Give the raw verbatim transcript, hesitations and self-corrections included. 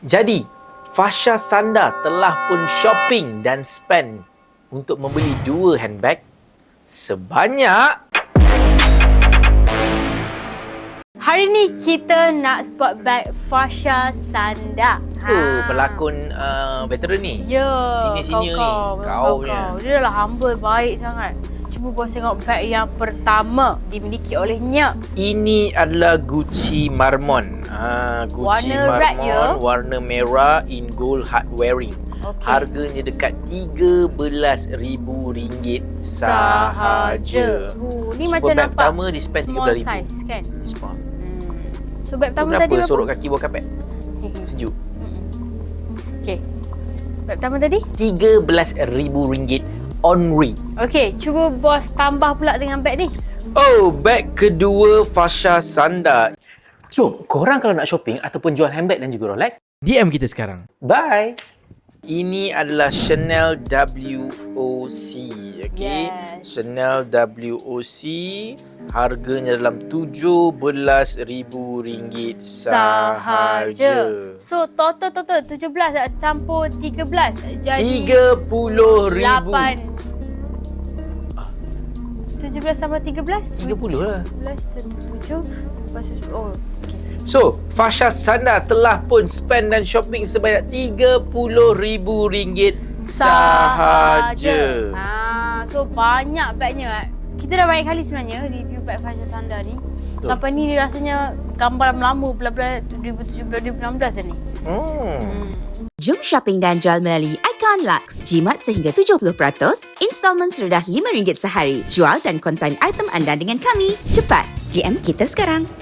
Jadi, Fasha Sanda telah pun shopping dan spend untuk membeli dua handbag sebanyak... Hari ni kita nak spot bag Fasha Sanda. Oh, pelakon uh, veteran ni. Ya, Senior-senior ni. kau, Kau kau, punya. kau. Dia dah humble, baik sangat. Cuba bos tengok bag yang pertama dimiliki olehnya. Ini adalah Gucci Marmon. Ha, Gucci Warna red, Marmon, ya? warna merah in gold hard wearing. Okay. Harganya dekat tiga belas ribu ringgit sahaja. Uh, ni Super macam bag nampak pertama di spend tiga belas ribu. small size kan? Small. Hmm. So bag pertama Kenapa tadi berapa? sorok kaki bawah kapet? Sejuk. Okey. Bag pertama tadi? tiga belas ribu ringgit onri. Okey, cuba bos tambah pula dengan bag ni. Oh, bag kedua Fasha Sanda. So, korang kalau nak shopping ataupun jual handbag dan juga Rolex, D M kita sekarang. Bye. Ini adalah Chanel W O C. Okay. Yes. Chanel W O C. Harganya dalam tujuh belas ribu ringgit sahaja. So total total tujuh belas campur tiga belas jadi tiga puluh ribu. lapan. tujuh belas tambah tiga belas? tiga puluh lah. tujuh belas, tujuh, lepas tu, oh, okey. So, Fasha Sanda telah pun spend dan shopping sebanyak tiga puluh ribu ringgit sahaja. Ha, so banyak bagnya. Kita dah banyak kali sebenarnya review bag Fasha Sanda ni. Betul. Sampai ni rasanya gambar lama belah-belah dua ribu tujuh belas dua ribu enam belas dah ni. Hmm. Jom shopping dan jual melalui Icon Lux. Jimat sehingga tujuh puluh peratus, installment serendah lima ringgit sehari. Jual dan konsign item anda dengan kami. Cepat, D M kita sekarang.